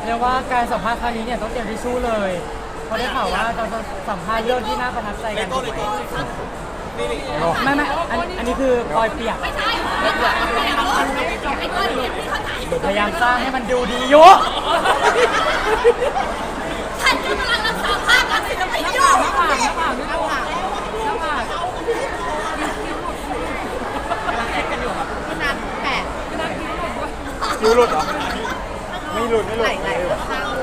เรียกว่าการสัมภาษณ์ครั้งนี้เนี่ยต้องเตรียมทิชชู่เลยเพราะได้ข่าวว่าเราจะสัมภาษณ์เรื่องที่น่าประทับใจกันไม่อันนี้คือปอยเปียกพยายามสร้างให้มันดูดีอยู่ท่านกำลังรักษาภาพลักษณ์ศิลปินอยู่พี่นัทแปะคิวหลุดเหรอไม่หลุดไหลข้าง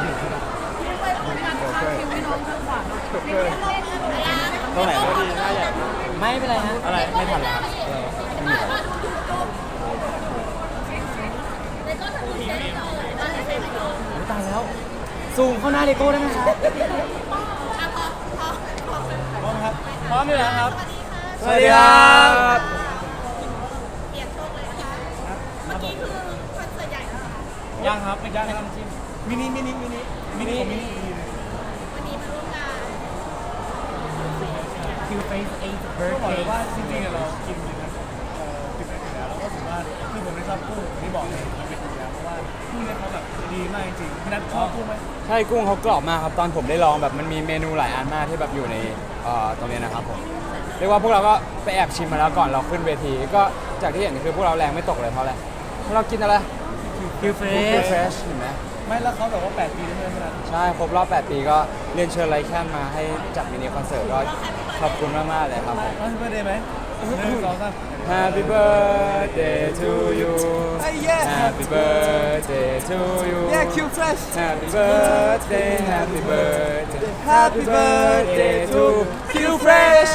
ตรงไหนก็ดีน่าอยากไม่เป็นไรฮะอะไรไม่ทันแล้วตายแล้วซูมเข้าหน้าเลโก้ได้ไหมครับพร้อมครับพร้อมอยู่แล้วครับสวัสดีครับเปลี่ยนโชคเลยนะคะเมื่อกี้คือคอนเสิร์ตใหญ่แล้วค่ะยังครับไม่ยังครับมินิวันนี้มาร่วมงาน Q-Face 8th ก็บอกเลย birthday ว่าจริงๆเรากินอยู่นะกินไปอยู่แล้วแล้วก็ถือว่าคือผมไม่ชอบกุ้งที่บอกเลยมันเป็นอยู่แล้วเพราะว่ากุ้งเนี่ยเขาแบบดีมากจริงๆพี่นัทชอบกุ้งไหมใช่กุ้งเขากรอบมากครับตอนผมได้ลองแบบมันมีเมนูหลายอันมากที่แบบอยู่ในตรงนี้นะครับผมเรียกว่าพวกเราก็ไปแอบชิมมาแล้วก่อนเราขึ้นเวทีก็จากที่เห็นคือพวกเราแรงไม่ตกเลยเพราะอะไรเพราะเรากินอะไร Q-Face Fresh เห็นไหมไม่แล้วเขาแบบว่า8 ปีแล้วใช่ไหมพี่นัทใช่ครบรอบ8 ปีก็เรียนเชิญไลแคนมาให้จัดมินิคอนเสิร์ตก็ขอบคุณมากๆเลยครับผม Happy birthday ไหม1 2 3 Happy birthday to you Happy birthday to you Q Fresh Happy birthday Happy birthday Happy birthday to Q Fresh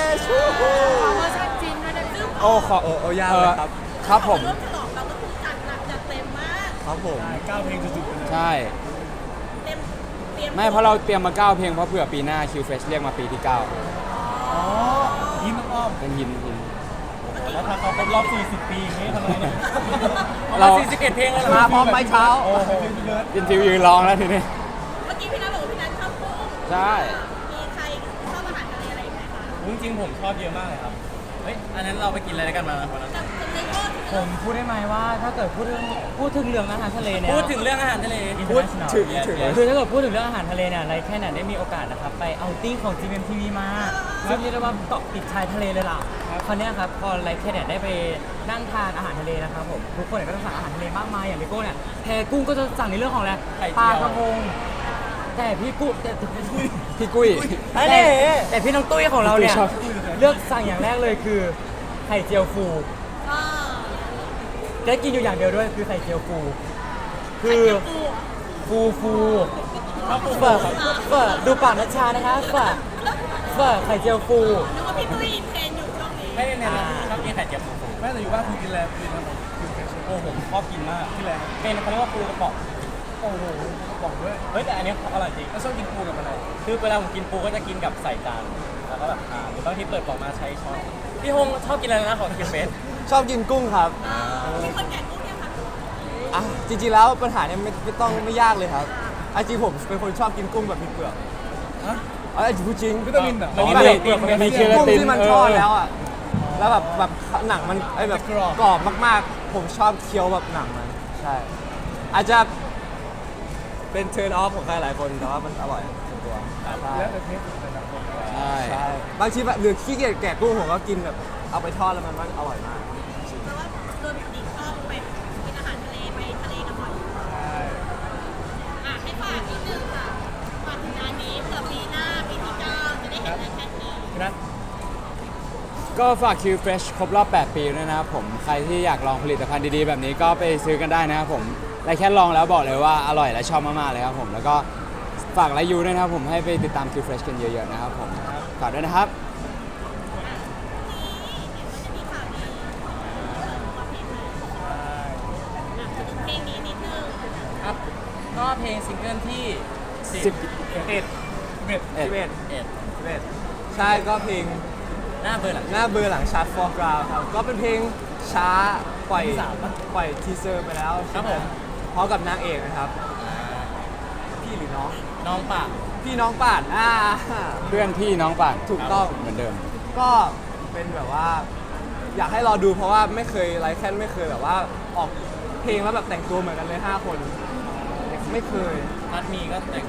โอ้ขอยากเลยครับผมร่วมฉลองเราก็คือจัดหนักจัดเต็มมากครับผม 9 เพลงจุดๆไปเลยใช่เตรียมไม่เพราะเราเตรียมมา9 เพลงเพราะเผื่อปีหน้า Q Fresh เรียกมาปีที่ 9 อ๋อยิ้มอ้อมเป็นหินแล้วถ้าเขาครบรอบ40 ปีอย่างนี้ทำไงเนี่ยเรา 41เพลงแล้วมาพร้อมไปเช้าโอ้โหพี่เบิร์ดยินทิวยืนร้องแล้วทีนี้เมื่อกี้พี่นัทบอกว่าพี่นัทชอบกุ้งใช่มีใครชอบอาหารทะเลอะไรไหมคะจริงๆผมชอบเยอะมากเลยครับ เฮ้ย อันนั้นเราไปกินอะไรกันมาวันนั้นจำได้ว่าผมพูดได้ไหมว่าถ้าเกิดพูดถึงเรื่องอาหารทะเลเนี่ยพูดถึงเรื่องอาหารทะเลพูดถึงคือถ้าเกิดพูดถึงเรื่องอาหารทะเลเนี่ยไรแค่ไหนได้มีโอกาสนะครับไปเอาติ้งของ GMMTV มาซึ่งเรียกได้ว่าเกาะติดชายทะเลเลยล่ะคราวเนี้ยครับพอไรแค่เนี่ยได้ไปนั่งทานอาหารทะเลนะครับผมทุกคนเนี่ยก็จะสั่งอาหารทะเลมากมายอย่างพี่โก้เนี่ยแพกุ้งก็จะสั่งในเรื่องของอะไรปลากระพงแต่พี่กุ้งพี่กุ้ยแต่พี่น้องตุ้ยของเราเนี่ยพี่ตุ้ยชอบเลือกสั่งอย่างแรกเลยคือไข่เจียวฟูก็ได้กินอยู่อย่างเดียวด้วยคือไข่เจียวฟู คือฟูเฟิร์ดูปากนัชชานะคะเฟิร์ไข่เจียวฟูนึกว่าพี่ตุ้ยอินเทรนอยู่ช่วงนี้ไม่ได้เนี่ยชอบกินไข่เจียวปูแม่แต่อยู่บ้านคุณกินอะไรกินอะไรโอ้ผมชอบกินมากที่แรกเป็นเขาเรียกว่าปูกระป๋องโอ้โหกระป๋องด้วยเฮ้ยแต่อันนี้อร่อยจริงแล้วชอบกินปูกับอะไรคือเวลาผมกินปูก็จะกินกับใส่จานแล้วก็แบบทานหรือบางทีเปิดกล่องมาใช้ช้อนพี่ฮงชอบกินอะไรนะของคิวเฟสชอบกินกุ้งครับมีคนแก่กุ้งยังคะอ่ะจริงๆแล้วปัญหาเนี่ยไม่ยากเลยครับจริงผมเป็นคนชอบกินกุ้งแบบมีเปลือกฮะพูดจริงวิตามินเหรอมันมีอ๋อเปลือกมีกุ้กุ้งงที่มันทอดแล้วอ่ะแล้วแบบหนังมันแบบกรอบกรอบมากๆ ผมชอบเคี้ยวแบบหนังมันใช่อาจจะเป็นเทิร์นออฟของใครหลายคนแต่ว่ามันอร่อยส่วนตัวใช่แล้วแต่เทสแต่ละคนใช่บางทีแบบหรือขี้เกียจแกะกุ้งผมก็กินแบบเอาไปทอดแล้วมันอร่อยมากเพราะว่าโดนปกติชอบไปกินอาหารทะเลไปทะเลกันบ่อยใช่ให้ฝากนิดนึงค่ะฝากถึงงานนี้เผื่อปีหน้าปีที่9จะได้เห็นอะไรแค่นี้พี่นัทก็ฝาก Q Fresh ครบรอบ 8 ปีด้วยนะครับผมใครที่อยากลองผลิตภัณฑ์ดีๆแบบนี้ก็ไปซื้อกันได้นะครับผมและแค่ลองแล้วบอกเลยว่าอร่อยและชอบมากๆเลยครับผมแล้วก็ฝากไลค์ยูด้วยนะครับผมให้ไปติดตาม Q Fresh กันเยอะๆนะครับผมฝากด้วยนะครับเพลงนี้นิดนึงครับก็เพลงซิงเกิลที่ 11ใช่ก็เพลงหน้าเบอร์หลังหน้าเบอร์หลังชาร์ตฟอร์กราวครับก็เป็นเพลงช้าปล่อยทีเซอร์ไปแล้วครับผมพร้อมกับนางเอกนะครับพี่หรือน้องน้องปากพี่น้องป่านเพื่อนพี่น้องป่านถูกต้องเหมือนเดิมก็เป็นแบบว่าอยากให้รอดูเพราะว่าไม่เคยไลฟ์แคนไม่เคยแบบว่าออกเพลงแล้วแบบแต่งตัวเหมือนกันเลย5 คนในคไม่เคยพัดมีก็แต่ง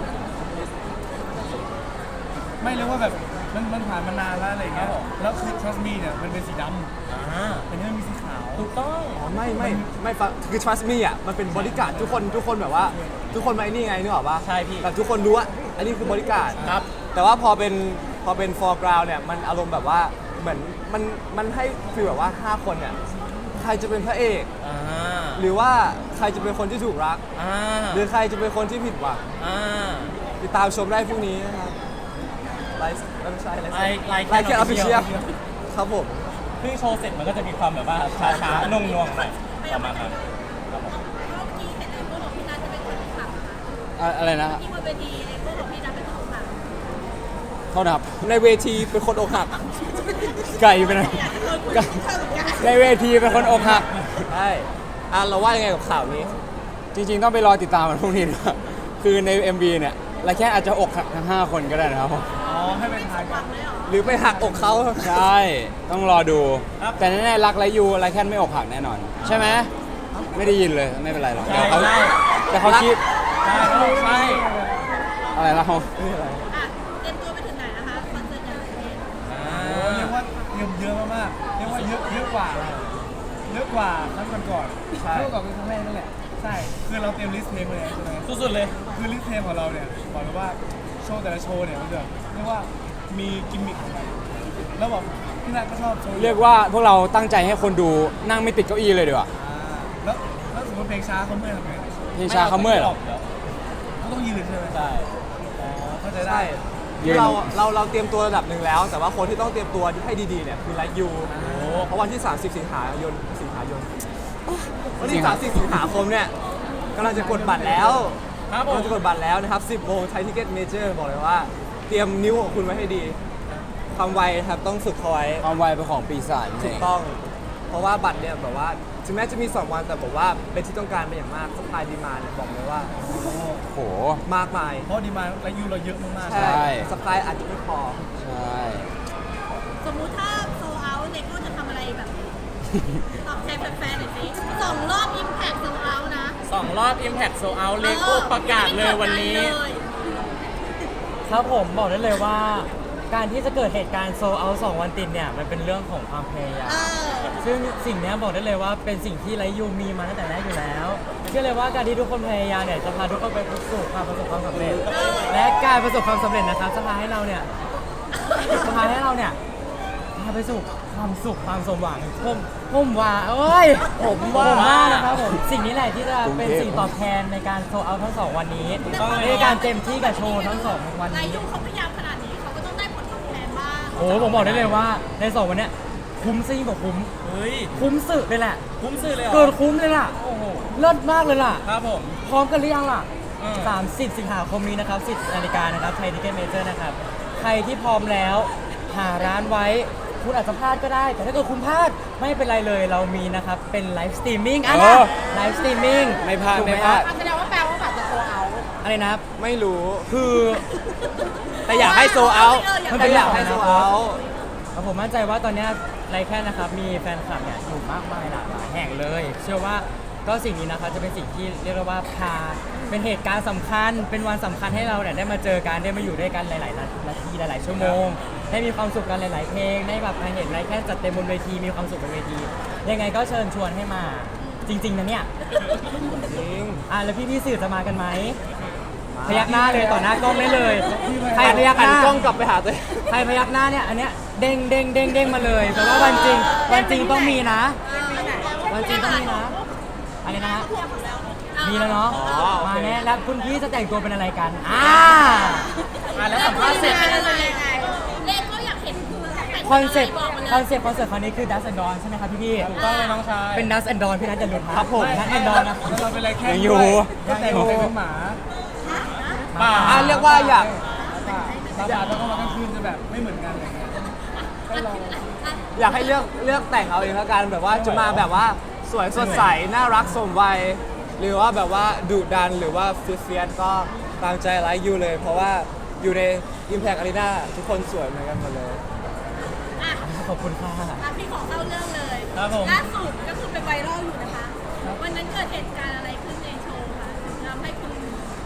ไม่เรียกว่าแบบมันผ่านมานานแล้วอะไรอย่างเงี้ยแล้วคือ trust me เนี่ยมันเป็นสีดำอ่าแต่นี่มันมีสีขาวถูกต้องอ๋อไม่ฟังคือ trust me อ่ะมันเป็นบริการดทุกคนแบบว่าทุกคนมาไอ้นี่ไงนึกออกปะใช่พี่แบบทุกคนรู้ว่าอันนี้คือบริการดครับแต่ว่าพอเป็น foreground เนี่ยมันอารมณ์แบบว่าเหมือนมันให้ฟีลแบบว่า 5 คนเนี่ยใครจะเป็นพระเอกอ่าหรือว่าใครจะเป็นคนที่ถูกรักอ่าหรือใครจะเป็นคนที่ผิดหวังอ่าติดตามชมได้พรุ่งนี้นะครับไลฟ์ไม่ใช่ไลฟ์ไลฟ์แค่ออฟฟิเชียล Official ครับผมเพิ่งโชว์เสร็จมันก็จะมีความแบบว่าช้าๆนุ่งๆหน่อยประมาณนั้นครับผมเมื่อกี้เห็นไอ้พวกของพี่นัทจะเป็นคนขับอะไรนะที่บนเวทีไอ้พวกของพี่นัทเป็นคนขับโทษนะครับในเวทีเป็นคนอกหักไก่ไปหน่อยในเวทีเป็นคนอกหักใช่เราว่ายังไงกับข่าวนี้จริงๆ ต้องไปรอติดตามมันพรุ่งนี้ด้วยคือใน MV เนี่ยไรแค่อาจจะอกหักทั้ง 5 คนก็ได้นะครับผมอ๋อให้เป็นทายกันหรือไปหักอกเขาใช่ ต้องรอดู แต่แน่ๆรักไรยูไรแค่ไม่อกหักแน่นอน ใช่ไหมไม่ได้ยินเลยไม่เป็นไรหรอกเดี๋ยวเขาใช่แต่เขาคิดใช่ใช่อะไรแล้วอ่ะเตรียมตัวไปถึงไหนนะคะคอนเสิร์ตใหญ่ประเทศโอ้เรียกว่าเตรียมเยอะมากๆเรียกว่าเยอะกว่าครั้งก่อนๆใช่เรื่องก่อนเป็นครั้งแรกนั่นแหละใช่คือเราเตรียมลิสต์เพลงไว้แล้วใช่ไหมสุดๆเลยคือลิสต์เพลงของเราเนี่ยบอกเลยว่าโชว์แต่ละโชว์เนี่ยมันจะเรียกว่ามีกิมมิคของมันแล้วบอกพี่นัทก็ชอบโชว์เรียกว่าพวกเราตั้งใจให้คนดูนั่งไม่ติดเก้าอี้เลยดีกว่าแล้วสมมติเพลงช้าเขาเมื่อยทำไงเพลงช้าเขาเมื่อยเหรอเขาต้องยืนใช่ไหมใช่อ๋อเข้าใจได้ใช่ยืนเราเตรียมตัวระดับหนึ่งแล้ว แต่ว่าคนที่ต้องเตรียมตัวให้ดีๆเนี่ยคือไลฟ์ยูเพราะวันที่ 30 สิงหายนวันที่ 30 สิงหาคมเนี่ยกำลังจะกดบัตรแล้วครับผกำลัมงจะกดบัตรแล้วนะครับ 10 โมงไทยทิเก็ตเมเจอร์บอกเลยว่า เตรียมนิ้วของคุณไว้ให้ดี ความไวครับต้องฝึกเขาไว้ความไวเป็นของปีศาจนั่นถูเอก งต้อง เพราะว่าบัตรเนี่ยแบบว่าถึงแม้จะมี 2 วันแต่บอกว่าเป็นที่ต้องการเป็นอย่างมากสปายดีมาเนี่ยบอกเลยว่าโหมากมายเพราะดีมาและยูเราเยอะมากๆใช่ใช่สปายอาจจะไม่พอใช่สมมุติถ้าโซเอาท์เลโก้จะทำอะไรแบบนี้ตอบแทนแฟนๆหน่อยสิ2 รอบอิมแพคโซเอาท์นะ 2 รอบ Impact Sold Out เลโก้ประกาศเลยวันนี้ครับผมบอกได้เลยว่า การที่จะเกิดเหตุการณ์โซเอา2 วันติดเนี่ยมันเป็นเรื่องของความพยายาม ซึ่งสิ่งเนี้ยบอกได้เลยว่าเป็นสิ่งที่ไลยูมีมาตั้งแต่แรกอยู่แล้วเชื่อเลยว่าการที่ทุกคนพยายามเนี่ยจะพาทุกคนไปสู่ความประสบความสำเร็จ และการประสบความสำเร็จนะครับจะพาให้เราเนี่ยพาไปสู่ความสุขความสมหวังผมว่าเอ้ยผมว่านะครับผมสิ่งนี้แหละที่จะเป็นสิ่งตอบแทนในการโซเอาทั้ง 2 วันนี้ในการเต็มที่กับโชว์ทั้ง 2 วันรายนี้ยุ่งเขาพยายามขนาดนี้เขาก็ต้องได้ผลตอบแทนบ้างโอ้โหผมบอกได้เลยว่าใน 2 วันเนี้ยคุ้มซิ่งกว่าคุ้มเฮ้ยคุ้มสุดเลยแหละคุ้มซื้อเลยเหรอเกินคุ้มเลยล่ะโอ้โหเลิศมากเลยล่ะครับผมพร้อมกันหรือยังล่ะอืม 30 สิงหาคมนี้นะครับ 10 นาฬิกานะครับไทยทิเก็ตเมเจอร์นะครับ ใครที่พร้อมแล้วหาร้านไว้ คุณอาจจะพลาดก็ได้ แต่ถ้าเกิดคุณพลาดไม่เป็นไรเลยเรามีนะครับ เป็นไลฟ์สตรีมมิ่งนะไลฟ์สตรีมมิ่งไม่พลาดถูกหไม่พลาดครับแสดงว่าแปลว่าแบบจะโซเอาท์อะไรนะครับไม่รู้คือแต่อยากให้โซเอามันเป็นแต่อยากให้โซเอาผมมั่นใจว่าตอนเนี้ยไลฟ์แค่นะครับมีแฟนคลับเนี่ยอยู่มากมายหลากหลายแห่งเลย เชื่อว่าก็สิ่งนี้นะครับจะเป็นสิ่งที่เรียกได้ว่าพาเป็นเหตุการณ์สำคัญ เป็นวันสำคัญให้เราเนี่ยได้มาเจอกันได้มาอยู่ด้วยกันหลายๆนาทีหลายๆชั่วโมง ได้มีความสุขกันหลาย ๆ เพลงได้แบบมาเห็นไลฟ์แค่จัดเต็มบนเวทีมีความสุขบนเวทียังไงก็เชิญชวนให้มาจริง ๆนะเนี่ยจริงแล้วพี่ๆสื่อจะมากันไหมพยักหน้าเลยต่อหน้ากล้องได้เลยใครพยักหหันน้ากล้องกลับไปหาตัวเองใครพยักหน้าเนี่ยอันเนี้ยเด้งเด้งเด้งเด้งมาเลยแต่ว่าวันจริงต้องมีนะ วันจริงต้องมีนะอะไรนะฮะมีแล้วเนาะมาแน่แล้วคุณพี่จะแต่งตัวเป็นอะไรกันแล้วสัมภาษณ์เสร็จเลโก้อยากเห็นคอนเซ็ปต์คอนเสิร์ตครั้งนี้คือ Dust and Dawn ใช่ไหมครับพี่ถูกต้องเลยน้องชายเป็น Dust and Dawn พี่นัทจะหลุดครับผม Dust and Dawn นะเราเป็นอะไรแค่ยังอยู่ก็แต่งเป็นหมาป่าเรียกว่าอยากตาบาดแล้วก็มากลางคืนจะแบบไม่เหมือนกันอะไรเงี้ยให้ลองอยากให้เลือกแต่งเอาเองแล้วกันแบบว่าจะมาแบบว่าสวยสดใสน่ารักสมวัยหรือว่าแบบว่าดุดันหรือว่าเฟียสก็ตามใจไลค์ยูเลย เพราะว่าอยู่ใน Impact Arena ทุกคนสวยเหมือนกันหมดเลยอ่ะขอบคุณค่ะพี่ขอเข้าเรื่องเลยครับผมล่าสุดก็คือเป็นไวรัลอยู่นะคะ วันนั้นเกิดเหตุการณ์อะไรขึ้นในโชว์คะถึงทำให้คุณ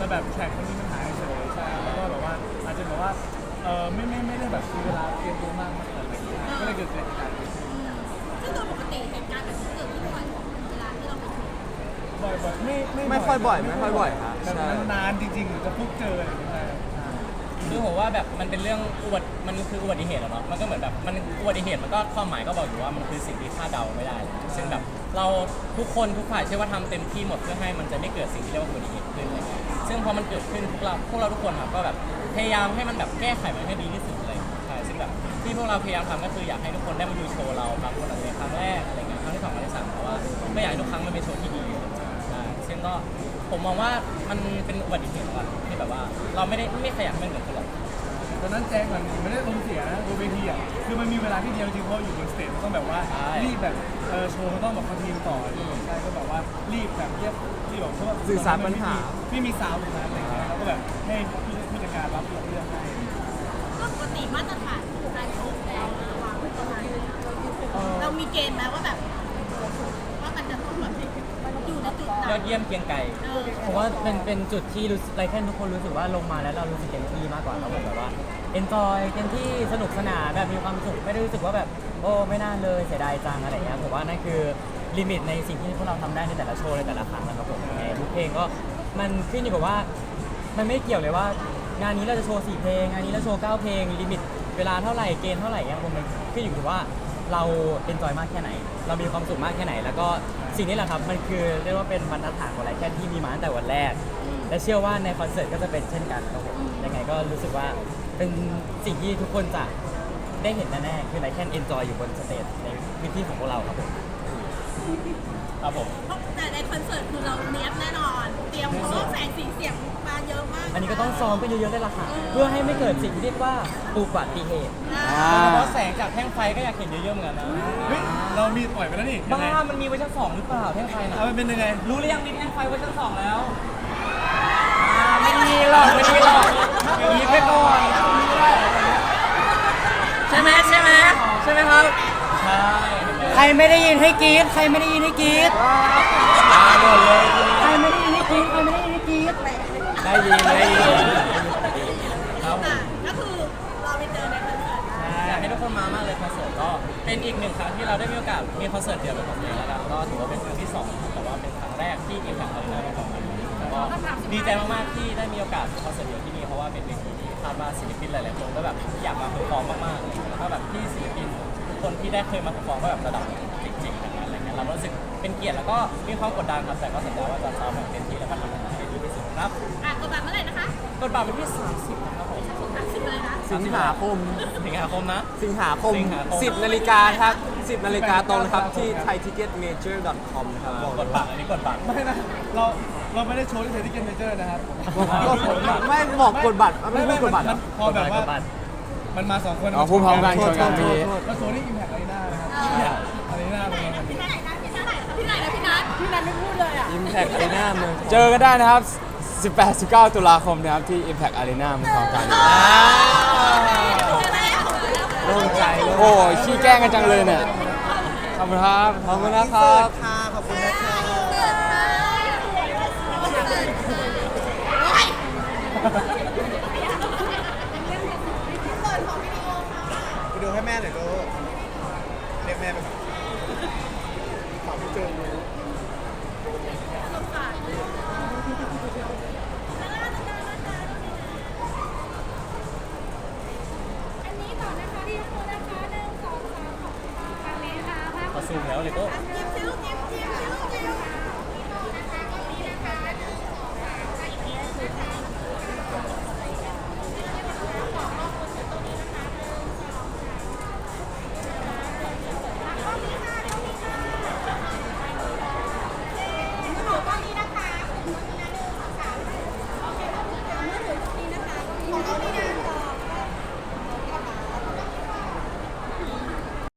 แบบแข่งมันมีปัญหาเฉยใช่แล้วก็แบบว่าอาจจะแบบว่าไม่ได้แบบมีเวลาเตรียมตัวมากขนาดนั้นก็เลยเกิดเหตุการณ์นี้ซึ่งโดยปกติเหตุการณ์แบบนี้เกิดขึ้นบ่อยเวลาที่เราไปชมบ่อยๆไม่ค่อยบ่อยครับแบบใช่นานๆจริงๆหรือจะพบเจออะไรอย่างเงี้ยคือผมว่าแบบมันเป็นเรื่องมันคืออุบัติเหตุอะเนาะมันก็เหมือนแบบมันอุบัติเหตุมันก็ความหมายก็บอกอยู่ว่ามันคือสิ่งที่คาดเดาไม่ได้ซึ่งแบบเราทุกคนทุกฝ่ายเชื่อว่าทำเต็มที่หมดเพื่อให้มันจะไม่เกิดสิ่งที่เรียกว่าอุบัติเหตุขึ้นอะไรเงี้ยซึ่งพอมันเกิดขึ้นพวกเราทุกคนครับก็แบบพยายามให้มันแบบแก้ไขมันให้ดีที่สุดเลยใช่ซึ่งแบบที่พวกเราพยายามทำก็คืออยากให้ทุกคนได้มาดูโชว์เราบางคนอาจจะเป็นครั้งแรกอะไรเงี้ยครั้งที่สองครั้งที่สามเพราะว่าไม่อยากให้ทุกครั้งมันเป็นโชว์ที่ดีใช่ซึ่งก็ผมมองว่ามันเป็นอุบัติเหตุก่อนที่แบบว่าเราไม่ขยันมันเหมือนคนหรอกตอนนั้นแจ้งมันไม่ได้ลงเสียนะบนเวทีอ่ะคือมันมีเวลาที่เดียวจริงเพราะอยู่บนสเตจมันต้องแบบว่ารีบแบบโชว์มันต้องแบบคอนทิวต่อใช่ก็แบบว่ารีบแบบรีบแบบเพราะว่าสื่อสารปัญหาไม่มีซาวด์ตรงนั้นอะไรเงี้ยแล้วก็แบบให้ผู้จัดการรับเรื่องให้ก็ปกติมาตรฐานการชมเราวางไว้ประมาณไหนเรามีเกณฑ์ไหมว่าแบบว่ามันจะต้องแบบอยู่ในจุดไหนยอดเยี่ยมเกรียงไก่ผมว่าเป็นจุดที่รู้สึกไรแค่ทุกคนรู้สึกว่าลงมาแล้วเรารู้สึกเต็มที่มากกว่าเราแบบว่า enjoy เต็มที่สนุกสนานแบบมีความสุขไม่ได้รู้สึกว่าแบบโอ้ไม่น่าเลยเสียดายจังอะไรเงี้ยผมว่านั่นคือลิมิตในสิ่งที่พวกเราทำได้ในแต่ละโชว์ในแต่ละครั้งนะครับผมในทุกเพลงก็มันขึ้นอยู่กับว่ามันไม่เกี่ยวเลยว่างานนี้เราจะโชว์4เพลงงานนี้เราโชว์9เพลงลิมิตเวลาเท่าไหร่เกณฑ์เท่าไหร่เงี้ยผมมันขึ้นอยู่กับว่าเราเอนจอยมากแค่ไหนเรามีความสุขมากแค่ไหนแล้วก็สิ่งนี้แหละครับมันคือเรียกว่าเป็นบรรทัดฐานของไรแค่ที่มีมาตั้งแต่วันแรกและเชื่อว่าในคอนเสิร์ตก็จะเป็นเช่นกันครับผมยังไงก็รู้สึกว่าเป็นสิ่งที่ทุกคนจะได้เห็นแน่ๆคือไรแค่เอนจอยอยู่บนสเตจในพื้นที่ของพวกเราครับผมครับผมแต่ในคอนเสิร์ตคือเราเนี้ยบแน่นอน เตรียมเพราะว่าแสงสีเสียงมาเยอะมากอันนี้ก็ต้องซ้อมกันเยอะๆได้ละค่ะเพื่อให้ไม่เกิดสิ่งที่เรียกว่าอุบัติเหตุเพราะแสงจากแท่งไฟก็อยากเห็นเยอะๆเหมือนกันนะเฮ้ยเรามีปล่อยไปแล้วนี่ยังไงบ้ามันมีเวอร์ชัน2หรือเปล่าแท่งไฟน่ะเอามันเป็นยังไงรู้หรือยังมีแท่งไฟเวอร์ชัน2แล้วไม่มีหรอกมีไปก่อนใช่ไหมครับใช่ใครไม่ได้ยินให้กรี๊ดใครไม่ได้ยินให้กรี๊ดใครไม่ได้ยินให้กรี๊ดใครไม่ได้ยินให้กรี๊ดได้ยินครับอ่ะก็คือเราไปเจอในคอนเสิร์ตนะอยากให้ทุกคนมามากเลยคอนเสิร์ตก็เป็นอีกหนึ่งครั้งที่เราได้มีโอกาสมีคอนเสิร์ตเดียวเป็นของตัวเองแล้วกันก็ถือว่าเป็นครั้งที่2แต่ว่าเป็นครั้งแรกที่Impact Arena เป็นของมันก็ดีใจมากๆที่ได้มีโอกาสคอนเสิร์ตเดียวที่นี่เพราะว่าเป็นเวทีที่คาดว่าศิลปินหลายๆคนก็แบบอยากมาเพอร์ฟอร์มมากๆเลยแล้วก็แบบที่ศิลปินทุกคนที่ได้เคยมาเพอร์ฟอร์มก็แบบระดับจริงๆทั้งนั้นอะไรเงี้ยเรารู้สึกเป็นเกียรติแล้วก็มีความกดดันครับแต่ก็สัญญาว่าจะซ้อมแบบเต็มที่แล้วก็ทำมันให้ดีที่สุดครับอ่ะกดบัตรเมื่อไหร่นะคะกดบัตรวันที่30นะครับผม 30เลยนะสิงหาคมสิงหาคมนะสิงหาคม 10 นาฬิกาครับ 10 นาฬิกาตรงนะครับ ที่ thaiticketmajor.com นะครับบอกกเลยดว่าบัตรอันนี้กดบัตรไม่นะเราไม่ได้โชว์ที่เทติเกนเมเจอร์นะครับไม่บอกกดบัตรไม่พูดกดบัตรเหรอพอแบบว่ามันมา2คนอ๋อพูดพร้อมกันชนกันเมื่อกี้แล้วโชว์ที่ Impact Arena นะครับArena เป็นไงครับที่ไหนนะที่ไหนนะที่ไหนนะพี่นัทไม่พูดเลยอ่ะ Impact Arena เมืองเจอกันได้นะครับ 18-19 ตุลาคมนะครับที่ Impact Arena เมืองทองธานีโล่งใจโอ้ยขี้แกล้งกันจังเลยเนี่ยขอบคุณครับขอบคุณนะครับขอบคุณนะคะโอ้ยเปิดของวิดีโอค่ะไปดูให้แม่หน่อยดูเรียกแม่ไปก่อนขอพี่เจอดูสงสารอันนี้ต่อนะคะที่ทุกคนนะคะ1 2 3ของทางนี้ค่ะภาพเขาซูมแล้วเลยก็ยิ้มซิลูกยิ้มซิลูกยิ้ม